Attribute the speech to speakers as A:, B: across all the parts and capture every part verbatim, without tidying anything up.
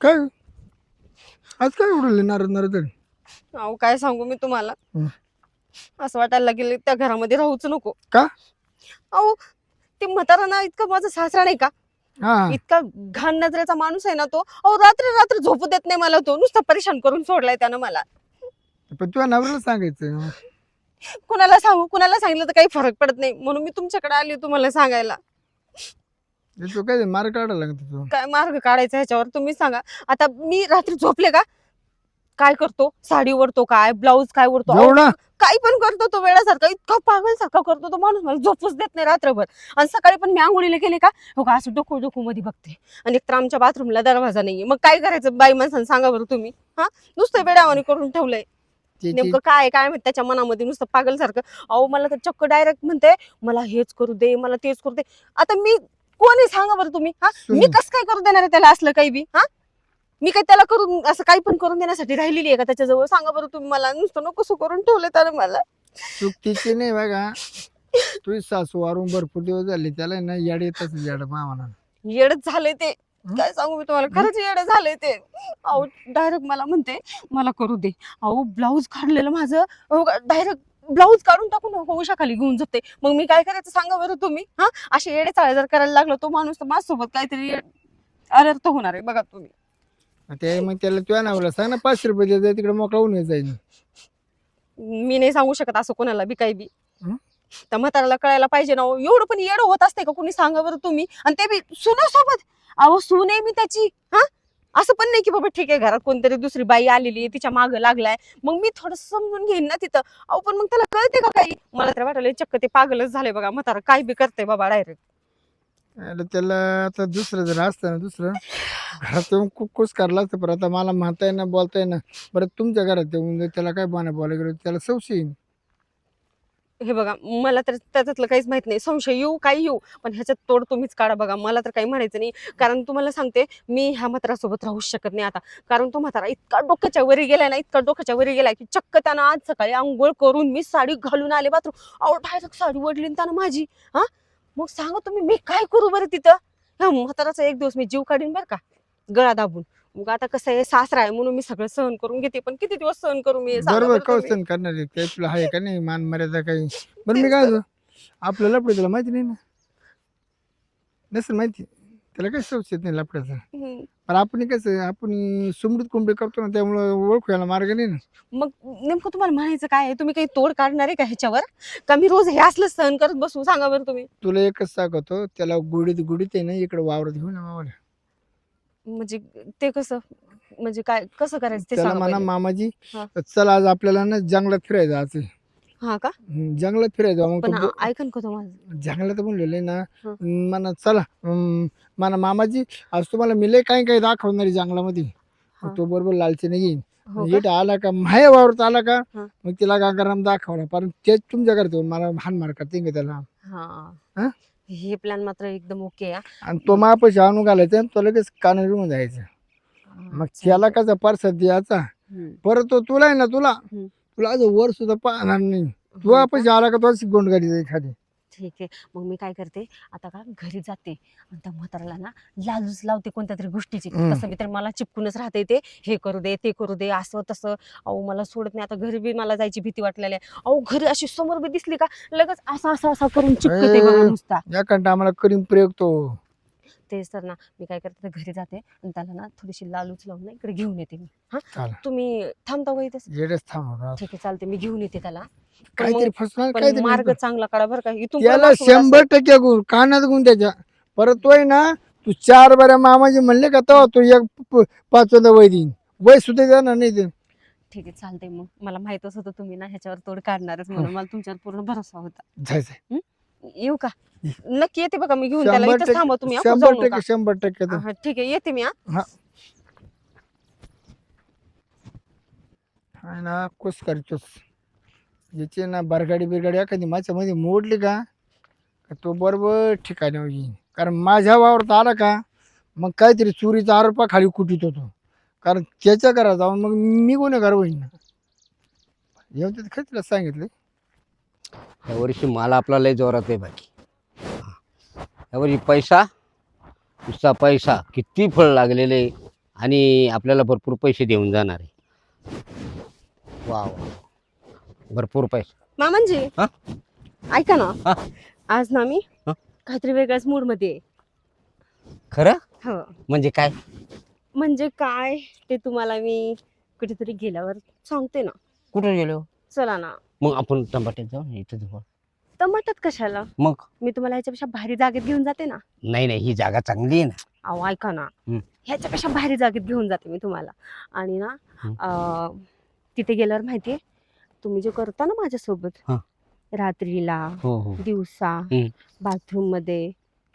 A: काय आज काय उडले नारद नारद
B: अहो काय सांगू मी तुम्हाला,
A: हं.
B: असं वाटायला लागेल त्या घरामध्ये राहूच नको.
A: का?
B: अहो ते म्हातारा ना इतका माझा सासरा नाही का,
A: हा
B: इतका घाण नजरेचा माणूस आहे ना तो. अहो रात्री रात्र झोपू देत नाही मला, तो नुसता परेशान करून सोडलाय त्यानं मला.
A: पण तुझ्या नवऱ्याला सांगायचं.
B: कुणाला सांगू, कुणाला सांगितलं तर काही फरक पडत नाही, म्हणून मी तुमच्याकडे आली तुम्हाला सांगायला.
A: हे तू काय मार्ग काढायला लागत तू.
B: काय मार्ग काढायचा ह्याच्यावर तुम्ही सांगा. आता मी रात्री झोपले का काय करतो, साडी ओढतो काय, ब्लाऊज काय ओढतो, अहो,
A: एवढा
B: काही पण करतो तो वेळासारखा, इतका पागल सारखा करतो तो माणूस, मला झोपूच देत नाही रात्रभर. आणि सकाळी पण मी आंघोळीला गेले का हो का असं डोकू डोकू मध्ये बघते. आणि एक तर आमच्या बाथरूमला दरवाजा नाहीये, मग काय करायचं बाई माणसानं सांगा बरं तुम्ही. हा नुसतं वेडावानी करून ठेवलंय.
A: ते- ते-
B: नेमकं काय काय माहित त्याच्या मनामध्ये, नुसतं पागल सारखं. अहो मला तर चक्क डायरेक्ट म्हणते मला हेच करू दे, मला तेच करू दे. आता मी कोणी सांगा बरं तुम्ही. हा मी
A: सुन.
B: कसं काय करू देणार आहे त्याला असलं काही बी. हा मी काय त्याला करून असं काही पण करून देण्यासाठी राहिलेली आहे का त्याच्याजवळ, सांगा बरं तुम्ही मला. नुसतं नको सु करून ठेवलं त्यानं मला.
A: चुकीची नाही बघा. तुझी सासू वारून भरपूर दिवस झाले, त्याला ना याड येतच याड मामाना.
B: येडच झालंय ते, काय सांगू मी तुम्हाला, खरंच येड झालंय ते. अहो डायरेक्ट मला म्हणते मला करू दे. अहो ब्लाऊज काढलेलं माझं, डायरेक्ट ब्लाऊज काढून टाकून होशाखाली घेऊन जाते. मग मी काय करायचं सांगा बरं तुम्ही. हा असे येडे चाळे जर करायला लागलो तो माणूस, तर माझ्यासोबत काहीतरी अनर्थ होणार आहे बघा तुम्ही.
A: ते मग त्याला तुझ्या नवऱ्याला सांग ना, पाचशे रुपये द्यायचं, तिकडे मोकळा होऊन जाईल.
B: मी नाही सांगू शकत असं कोणाला बी काही बी.
A: हं?
B: त्या म्हाताऱ्याला कळायला पाहिजे ना हो. एवढं पण येडं होत असते का कुणी, सांगा बरं तुम्ही. आणि ते बी सुनेसोबत. अहो सून आहे मी त्याची. हा असं पण नाही की बाबा ठीक आहे घरात कोणतरी दुसरी बाई आलेली आहे तिच्या मागं लागलाय, मग मी थोडं समजून घेईन ना तिथं. अहो पण मग त्याला कळते का काही. मला तर वाटलं चक्क ते पागलच झाले बघा म्हातारा, काय बी करते बाबा डायरेक्ट.
A: अरे त्याला आता दुसरं जर असतं ना, दुसरं घरात येऊन कुक्कूस करला असतं. पण आता मला म्हणताय ना, बोलताय ना, बरं तुमच्या घरात येऊन त्याला काय बाना बोलायला गेलो त्याला संशय येईल.
B: हे बघा मला तर त्याच्यातलं काहीच माहित नाही, संशय येऊ काही येऊ, पण ह्याच्यात तोड तुम्हीच काढा बघा. मला तर काही म्हणायचं नाही, कारण तुम्हाला सांगते मी ह्या म्हातारासोबत राहूच शकत नाही आता. कारण तो म्हातारा इतका डोक्याच्या वरी गेलाय ना, इतका डोक्याच्या वरी गेलाय की चक्क त्यानं आज सकाळी आंघोळ करून मी साडी घालून आले बाथरूम, अहो डायरेक्ट साडी ओढली त्यानं माझी. हा मग सांगा तुम्ही मी काय करू बरं तिथं. ह्या म्हाताराचा एक दिवस मी जीव काढीन बरं का, गळा दाबून. मग आता कसं आहे सासरा आहे म्हणून मी सगळं सहन करून घेते, पण किती दिवस सहन करू मी, सांगा
A: बरोबर
B: बरं तुम्ही.
A: कौशन करणार आहे ते, तुला आहे का नाही मान मर्यादा काही. बरं मी काय होतो, आपलं लपडे तुला माहिती नाही ना, नसेल माहिती, त्याला काही संशय येत नाही लपड्याचा.
B: हम्म.
A: पण आपण कसं आपण सुमडीत कुंबडी करतो ना, त्यामुळं ओळखू यायला मार्ग नाही ना.
B: मग नेमकं तुम्हाला म्हणायचं काय आहे, तुम्ही काही तोड काढणार आहे का ह्याच्यावर, का मी रोज हे असलं सहन करत बसू, सांगा बरं तुम्ही.
A: तुला एकच सांगतो, त्याला गुडीत गुडीत आहे ना इकडे वावरत घेऊन ना मामाला.
B: म्हणजे ते कसं, म्हणजे काय कसं करायचं ते
A: त्याला
B: सांगा
A: म्हणा
B: पहिले.
A: मामाजी
B: हा.
A: चल आज आपल्याला ना जंगलात फिरायचं आज.
B: हा का,
A: हम्म, जंगलात फिरायचं मग
B: पण
A: तो बो-
B: ऐकन का तुम्हाला.
A: जंगलात म्हणलेलं आहे ना.
B: हं.
A: म्हणा चला हम्म, म्हणा मामाजी आज तुम्हाला मिले काही काही दाखवणार आहे जंगलामध्ये. मग
B: हा.
A: तो बरोबर लालचीने येईन.
B: हो का?
A: इट आला का माया वावरत आला का,
B: हा.
A: मग तिला गांगाराम दाखवला, पण तेच तुमच्या घरात येऊन मला हान मार करते का त्याला.
B: हा
A: हा?
B: हे प्लॅन मात्र एकदम ओके आहे.
A: आणि तो मापाशी आणून घालायचा आणि तो लगेच कानावर येऊन जायचं. मग त्याला कसा परसाद द्यायचा,
B: हम्म.
A: परत तो तुला आहे ना, तुला
B: हम्म.
A: तुला आज वर सुद्धा पाहणार नाही. तू
B: हो का?
A: आपण आला का तो गोंड गाडी एखादी.
B: ठीक आहे, मग मी काय करते आता का घरी जाते आणि त्या म्हाताराला ना लालूच लावते कोणत्या तरी गोष्टीची.
A: हम्म.
B: कसं मी तर मला चिपकूनच राहते ते, हे करू दे ते करू दे असं तसं. अहो मला सोडत नाही, आता घरी बी मला जायची भीती वाटलेली आहे. अहो घरी अशी समोर बी दिसली का लगेच असा असा असा करून चिपकते बघा
A: ए,
B: नुसता.
A: या कंटा आम्हाला करीम प्रयोग तो.
B: तेच तर ना, मी काय करते तर घरी जाते आणि त्याला ना थोडीशी लालूच लावून ना इकडे घेऊन येते मी. हा
A: चालेल.
B: तुम्ही थांबता का इथेच.
A: जेडच थांब
B: ठीक आहे चालते, मी घेऊन येते त्याला. पण
A: काहीतरी
B: मग
A: फसणार
B: पण
A: काहीतरी
B: मार्ग
A: नेमकं.
B: चांगला काढा बरं का, इथून पुढं
A: त्याला
B: माझ्यासोबत असं-
A: शंभर टक्के गुण कानात गुण त्याच्या. परत तोय ना, तू चार बऱ्या मामाजी म्हणले का तो तो एक प- पाचवंदा वय देईन, वय सुद्धा जाणार नाही ते.
B: ठीक आहे चालतंय, मग मला माहितच होतं तुम्ही ना ह्याच्यावर तोड काढणारच म्हणून मला तुमच्यावर पूर्ण भरोसा होता.
A: जायचं
B: येऊ का, नक्की येते बघा मी घेऊन त्याला.
A: शंभर
B: इथंच थांबा
A: टक्के
B: तुम्ही, आपण
A: शंभर
B: जाऊ नका.
A: टक्के शंभर टक्के तर.
B: हा, ठीक आहे येते मी. हा
A: हा हा ना कुस करतोस. ज्याची ना बरगाडी बिरगाडी एखादी माझ्यामध्ये मोडली का, का तो बरोबर ठिकाणी येईन. कारण माझ्या वावरात आला का मग काहीतरी चोरीचा आरोपा खाली कुटीत होतो. कारण त्याच्या घरात जाऊन मग मी गुन्हेगार होईन ना. येऊन तिथे खरं तिला सांगितलं.
C: यावर्षी माल आपला लय जोरात आहे बाकी. यावर्षी पैसा नुसता पैसा, किती फळ लागलेले आणि आपल्याला भरपूर पैसे देऊन जाणार आहे. वा वा भरपूर पैसे.
B: मामांजी
C: हा?
B: ऐका ना,
C: हा?
B: आज ना मी
C: हा?
B: काहीतरी वेगळ्याच मूड मध्ये आहे.
C: खरं
B: हो,
C: म्हणजे काय?
B: म्हणजे काय ते तुम्हाला मी कुठेतरी गेल्यावर सांगते ना.
C: कुठे गेलो?
B: चला ना.
C: मग आपण टमाट्यात जाऊ ना, इथं जवळ.
B: टमाटात कशाला?
C: मग
B: मी तुम्हाला ह्याच्यापेक्षा भारी जागेत घेऊन जाते ना.
C: नाही नाही ही जागा चांगली आहे ना.
B: अहो ऐका ना,
C: हम्म.
B: ह्याच्यापेक्षा भारी जागेत घेऊन जाते मी तुम्हाला. आणि ना
C: हम्म.
B: अं, तिथे गेल्यावर माहितीये तुम्ही जे करता ना माझ्यासोबत
C: हा.
B: रात्रीला,
C: हो हो
B: दिवसा,
C: हम्म.
B: बाथरूम मध्ये,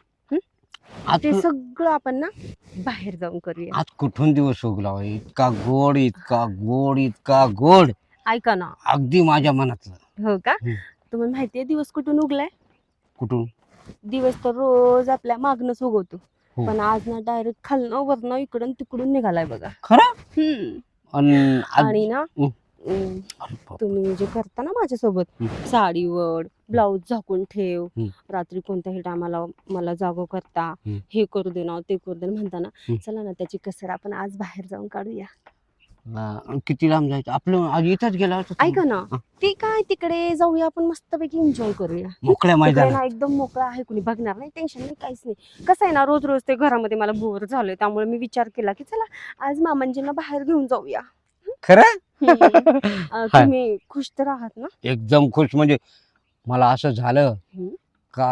C: आज
B: ते
C: तू-
B: सगळं आपण ना बाहेर जाऊन करूया.
C: आज कुठून दिवस उगला होय? इतका गोड इतका गोड इतका गोड
B: ऐका ना.
C: अगदी माझ्या मनातलं.
B: हो का?
C: हम्म.
B: तुम्हाला माहितीये दिवस कुठून उगलाय?
C: कुठून?
B: दिवस तर रोज आपल्या मागणंच उगवतो,
C: हो.
B: पण आज ना डायरेक्ट खालनं वरनं इकडून तिकडून निघालाय बघा.
C: खरं?
B: हम्म.
C: अन आज-
B: आणि ना
C: हम्म.
B: हम्म,
C: अरे बाप.
B: तुम्ही जे करता ना माझ्यासोबत,
C: हम्म.
B: साडीवर ब्लाऊज झाकून ठेव,
C: हम्म.
B: रात्री कोणत्याही टायमाला मला जागो करता,
C: हम्म.
B: हे करू दे ना ते करू दे ना म्हणता ना,
C: हम्म.
B: चला ना त्याची कसर आपण आज बाहेर जाऊन काढूया.
C: अं, किती लांब जायचं आपलं? आज इथंच गेला होता.
B: ऐका ना,
C: हा.
B: ते काय तिकडे जाऊया आपण, मस्तपैकी एन्जॉय करूया.
C: मोकळ्या
B: तिकडे
C: मैदानात.
B: ना एकदम मोकळं आहे, कुणी बघणार नाही, टेन्शन नाही, काहीच नाही. कसं आहे ना, रोज रोज ते घरामध्ये मला बोर झालोय, त्यामुळे मी विचार केला की चला आज मामांजींना बाहेर घेऊन जाऊया.
C: खरं?
B: हम्म. अं,
C: हाय.
B: तुम्ही खुश तर आहात ना?
C: एकदम खुश. म्हणजे मला असं झालं
B: हम्म.
C: का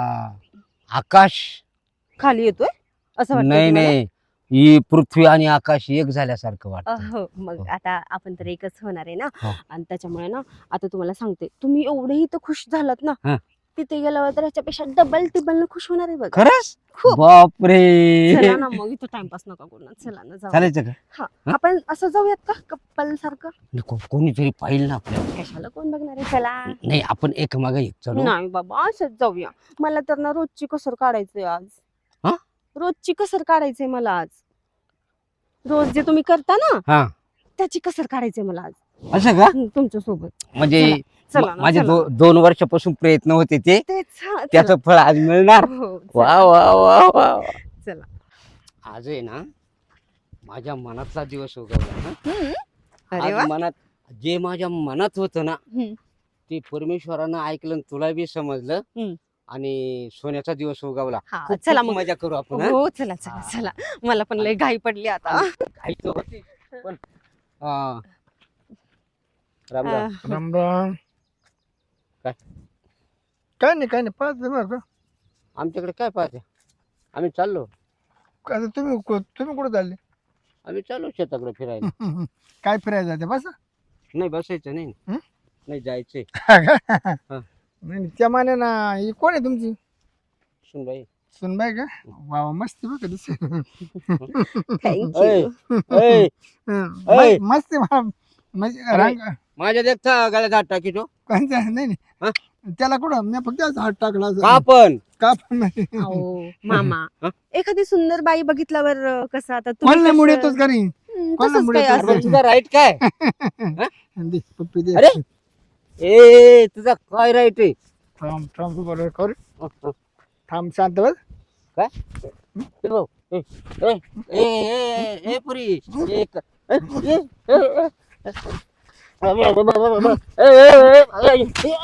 C: आकाश
B: खाली येतोय असं वाटतं
C: नाही
B: तुम्हाला?
C: नाही ही पृथ्वी आणि आकाश एक झाल्यासारखं वाटतं.
B: हो, मग
C: हो.
B: आता आपण तर एकच होणार आहे ना.
C: हो.
B: आणि त्याच्यामुळे ना आता तुम्हाला सांगते, तुम्ही एवढेही तर खुश झालात ना,
C: हा.
B: तिथे गेल्यावर तर ह्याच्यापेक्षा डबल टिबल खुश होणार आहे बघा.
C: खरंच?
B: खूप.
C: बापरे.
B: चला ना मग, इथं टाइमपास नका करू ना, चला ना जाऊ.
C: चालायचं का?
B: हा,
C: हा?
B: आपण असं जाऊयात का कप्पल सारखं?
C: नको, कोणीतरी पाहिलं ना आपल्याला.
B: कशाला कोण बघणार आहे, चला.
C: नाही आपण एक मागे एक चलो.
B: नाही बाबा, असंच जाऊया. मला तर ना रोजची कसर काढायचंय आज.
C: हा?
B: रोजची कसर काढायचंय मला आज. रोज जे तुम्ही करता ना
C: हा
B: त्याची कसर काढायचंय मला आज.
C: असं का?
B: तुमच्या सोबत
C: म्हणजे
B: चला
C: म-
B: ना,
C: माझे
B: चला.
C: दो- दोन वर्षापासून प्रयत्न होते ते
B: तेच, हा, चला.
C: त्याचं फळ आज मिळणार.
B: हो,
C: वा
B: चला.
C: वा वा वा वा.
B: चला.
C: आज आहे ना माझ्या मनातला दिवस उगवला ना.
B: हम्म. अरे वा.
C: आज मनात जे माझ्या मनात होतं ना
B: हम्म.
C: ते परमेश्वरानं ऐकलं आणि तुला बी समजलं.
B: हम्म.
C: आणि सोन्याचा दिवस उगवला.
B: हा,
C: खूप-
B: चला
C: खूप
B: मग.
C: मजा करू आपण. हा?
B: हो, चला चला
C: हा.
B: चला. मला पण लय घाई पडली आता.
C: काही तर होती, पण हा. राम राम.
B: अं,
A: राम राम.
C: काय?
A: काय नाही काय नाही पाच बरं का.
C: आमच्याकडे काय पाहते? आम्ही चाललो
A: आता तुम्ही कु- तुम्ही कुठं चालले?
C: आम्ही चाललो शेताकडे फिरायला.
A: काय फिरायला जाते बस.
C: नाही बसायचं नाही.
A: हं?
C: नाही जायचंय.
A: नाही नाही, त्या माने ना ही कोण आहे तुमची
C: सुनबाई.
A: सुनबाई का? वा वा, मस्त बघ दिस.
B: thank
C: ऐ,
B: you.
C: ऐ, ऐ.
A: मस्त आहे मा- म्हणजे रंग
C: माझ्या देखता गळ्यात हात टाकी तो.
A: कोणचा नाही
C: हा?
A: नाही त्याला कुठं मी फक्त असं हात टाकला असं.
C: का पण
A: का पण नाही.
B: अहो, मामा,
C: हं?
B: एखादी सुंदर बाई बघितल्यावर अं, कसं आता तुम्ही
A: कोणला
B: कसं-
A: मुळे येतोच का नाही?
B: हं,
A: कोणाला
B: तसंच
A: मुळे
B: काही
A: येतोच
C: अरे
B: असेल.
C: तुझा राईट काय?
A: दे, पप्पी दे.
C: अरे ए तुझा काय राईट आहे?
A: थांब थांब तू बरोबर कर. थांब शांत बस.
C: काय? ए भाऊ, ए, ए, ए, ए, ए, पुरी, एक, ए, ए, ए, ए. ए, ए, ए,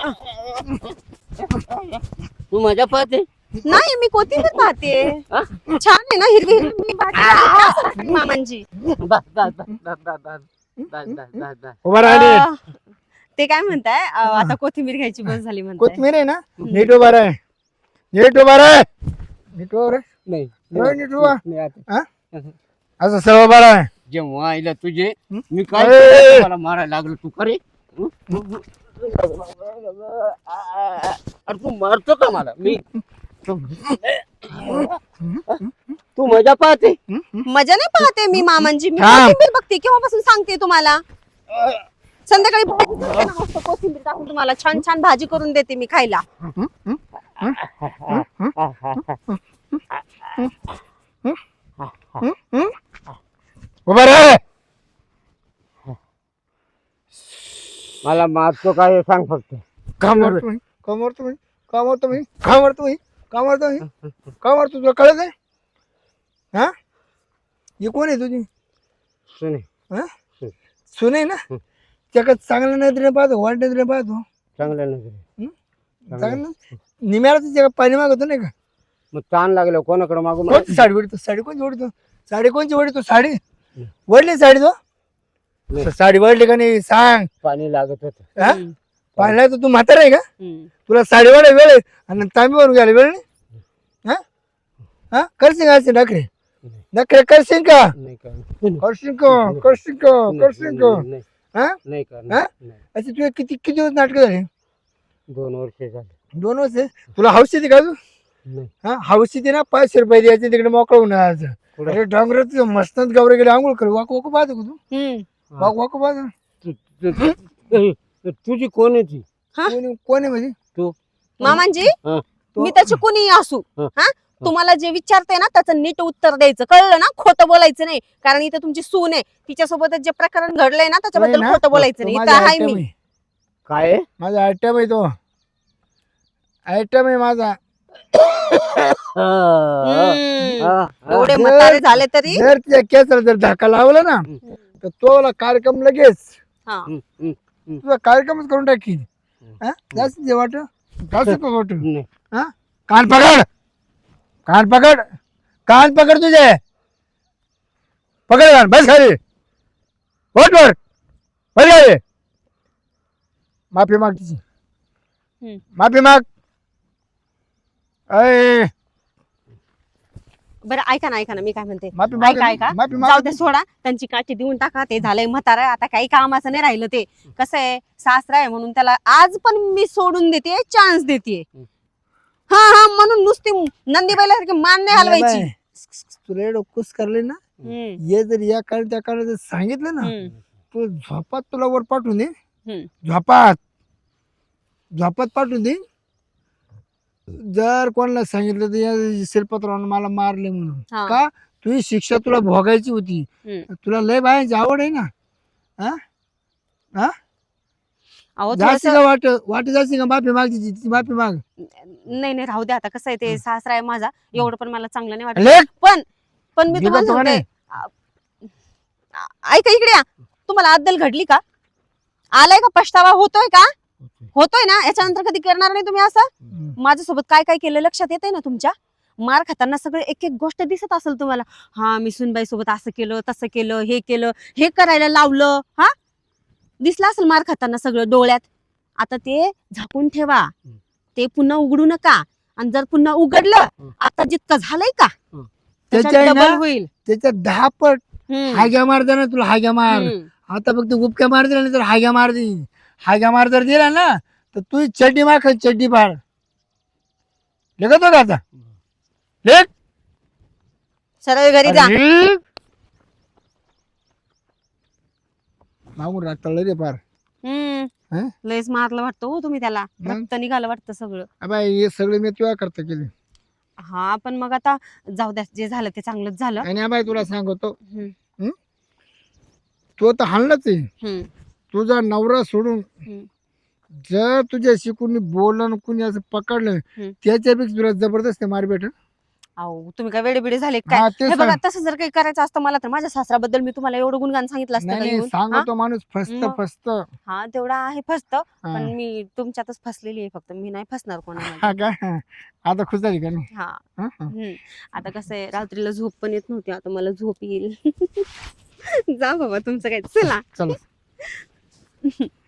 C: तू मजा पाहते.
B: नाही, मी कोथिंबीर पाहते.
C: हा?
B: छान आहे ना, हिरवी हिरवी भाजी असं वाटतं मामांची.
C: बस, बस, बस, बस, बस, बस, बस, बस, बस, बस.
A: उभा राहिले.
B: अं, ते काय म्हणताय, अं, आता कोथिंबीर घ्यायची बस झाली म्हणताय.
A: कोथमीर आहे ना नीट उभा राह. नीट उभा राह. नीट उभा राह.
C: नाही
A: नाही, नीट उभा.
C: नाही, आता.
A: हा? असं सर्व उभा राह.
C: जेव्हा आईला तुझे
A: हं?
C: मी काय
A: ए!
C: केलं, मला मारायला लागलो तू खरे. अरे तू मारतो का मला? मी तू मजा पाहते.
B: मजा नाही पाहते मी मामांची, मी
A: थांब.
B: कोथिंबीर बघते केव्हापासून सांगते तुम्हाला. संध्याकाळी भाजी करते ना, मस्त कोथिंबीर टाकून तुम्हाला छान छान भाजी करून देते मी खायला.
A: उभा राह.
C: मला मारतो काय हे सांग फक्त.
A: का मारतो मी? का मारतो मी? का मारतो मी? का मारतो मी? का मारतो मी? का मारतो तुला कळत आहे? हा ही कोण आहे तुझी?
C: सुने
A: सुने ना
C: हं.
A: त्याकडे चांगल्या नजरेने पाहतो वाईट नजरेने पाहतो
C: चांगल्या नजरे
A: चांगलं निम्याला त्याच्या पाणी मागवतो नाही का
C: मग ताण लागलं कोणाकडे मागू मग?
A: कोणती साडी ओढतो साडी कोणती ओढतो साडी कोणती ओढतो साडी वडली साडी तो
C: नाही.
A: साडी वडली का नाही सांग
C: पाणी लागत होत
A: हा? पाहिला तर तू म्हातारा आहे का
B: हम्म.
A: तुला साडी वाढ वेळ आहे आणि तांबीवरून घ्यायला वेळ नाही हा हा करशील का असे नखरे नखरे करशील का
C: नाही करणार.
A: करशील का करशील का करशील का
C: नाही
A: हा
C: नाही करणार.
A: हा?
C: नाही.
A: असे तुझे किती किती दिवस नाटक झाले
C: दोन वर्ष झाले
A: दोन वर्ष तुला हौस येते का अजून
C: नाही
A: हा हौस येते ना पाचशे रुपये द्यायचे तिकडे मोकळं होणार
C: कुठं?
A: अरे डोंगरात मस्त गौरे गेले आंघोळ कर वाकू वाकू पाहतो का तू
B: हम्म.
A: वाकू वाकू पाहतो
C: तु- तु- तु- तुझी कोण आहे ती
B: हा?
A: कोण कोण आहे म्हणजे
C: तू
B: मामांजी
C: हा.
B: मी त्याची कुणी असू
C: हा.
B: हा तुम्हाला जे विचारते ना त्याचं नीट उत्तर द्यायचं कळलं ना खोटं बोलायचं नाही कारण इथे तुमची सून आहे तिच्यासोबत जे प्रकरण घडलंय ना त्याच्याबद्दल
A: नाही ना?
B: खोटं बोलायचं
A: तो
B: नाही
A: माझा
B: इथं आहे
A: आयटम
B: मी
A: आहे.
C: काय आहे?
A: माझा आयटम आहे तो आयटम आहे माझा
C: हा,
B: हम्म.
C: हा, हा.
B: एवढे
A: जर-
B: म्हातारे झाले तरी
A: जर त्या केसाला जर धक्का लावला ना तर तो कार्यक्रम लगेच
B: हा
C: हम्म, हम्म.
A: तुझा कार्यक्रमच करून टाकी हा? जास्त जे वाट जास्त वाट
C: नाही.
A: हा कान पकड कान पकड कान पकड तुझे पकड कान बस खाली वोट वर बस खाली माफी माग तिची
B: हम्म.
A: माफी माग अय
B: बरं ऐका ना ऐका ना मी काय म्हणते
A: माफी माग
B: ऐका ऐका
A: माफी
B: जाऊ
A: माग
B: दे सोडा त्यांची काठी देऊन टाका ते झालंय म्हातारा आता काही कामाचं नाही राहिलं ते कसं आहे सासरा आहे म्हणून त्याला आज पण मी सोडून देते चान्स देते हा हा म्हणून नुसती नंदीबाईला सारखी मान नाही हलवायची
A: तुला एवढं कुस करले ना
B: हम्म,
A: ये जर या काळ त्या काळात जर सांगितलं ना
B: हम्म,
A: तू झोपात तुला वर पाठवून दे
B: हम्म.
A: झोपात झोपात पाठवून दे जर कोणाला सांगितलं तर या शिल्पतरावनं मला मारले म्हणून
B: हा.
A: का तुझी शिक्षा तुला भोगायची होती
B: हम्म.
A: तुला लय बायाची आवड आहे ना हा हा
B: अहो
A: जास्त
B: थोडंसं-
A: का वाट वाट जास्त का माफी माग तिची ती माफी माग
B: नाही नाही राहू दे आता कसं आहे ते सासरा आहे माझा एवढं पण मला चांगलं नाही वाटत
A: लेख
B: पण पण मी
A: मी
B: तुम्हाला
A: का
B: सांगते आ- ऐका इकडे या तुम्हाला अद्दल घडली का आलाय का पछतावा होतोय का होतोय ना याच्यानंतर कधी करणार नाही तुम्ही असं माझ्यासोबत काय काय केलं लक्षात येतंय ना तुमच्या मार खाताना सगळे एक एक गोष्ट दिसत असेल तुम्हाला हा मी सुनबाई सोबत असं केलं तसं केलं हे केलं हे करायला लावलं हा दिसलं असेल मार खाताना सगळं डोळ्यात आता ते झाकून ठेवा ते पुन्हा उघडू नका आणि जर पुन्हा उघडलं आता जितकं झालंय का त्याच्यात
A: त्याच्या आहे ना,
B: डबल होईल
A: त्याच्या दहा पट
B: हम्म,
A: हाग्या मार दे ना तुला हाग्या मार
B: हम्म.
A: आता फक्त गुपक्या मार दिला नाही तर हाग्या मार दे हाग्या मार जर दिला ना तर तू चड्डी मार खाय चड्डी पाड लेखतो का आता लेख
B: सरळ घरी जा
A: अरे! मागून राग तळलं रे पार
B: हम्म
A: हं?
B: लयच मारलं वाटतं हो तुम्ही त्याला
A: मग?
B: रक्त निघालं वाटतं सगळं
A: अबाय हे सगळे मी तुला करता केले
B: हा पण मग आता जाऊ द्या जे झालं ते चांगलंच झालं
A: आणि अबाय तुला सांगतो
B: हम्म,
A: तो तर हाणलाच आहे
B: हम्म,
A: तुझा नवरा सोडून
B: हम्म.
A: जर तुझ्याशी कुणी बोललं कुणी असं पकडलं
B: हम्म.
A: त्याच्यापेक्षा तुला जबरदस्त मार भेट
B: अहो तुम्ही काय वेडेबिडे झाले
A: हा
B: काय
A: ते
B: हे बघा
A: सांग.
B: तसं जर काही करायचं असतं मला तर माझ्या सासराबद्दल मी तुम्हाला एवढं गुणगान सांगितलं असतं
A: नाही
B: का
A: नाही
B: येऊन? हा?
A: सांगतो माणूस फस्त
B: मग?
A: फस्त
B: हा तेवढा आहे फस्त
A: हा.
B: पण मी तुमच्यातच फसलेली आहे फक्त मी नाही फसणार कोणाला
A: हा का आता खुश झाली का नाही
B: हा
A: हा, हा.
B: हम्म. आता कसं आहे रात्रीला झोप पण येत नव्हती आता मला झोप येईल जा बाबा तुमचं काय चला
A: चला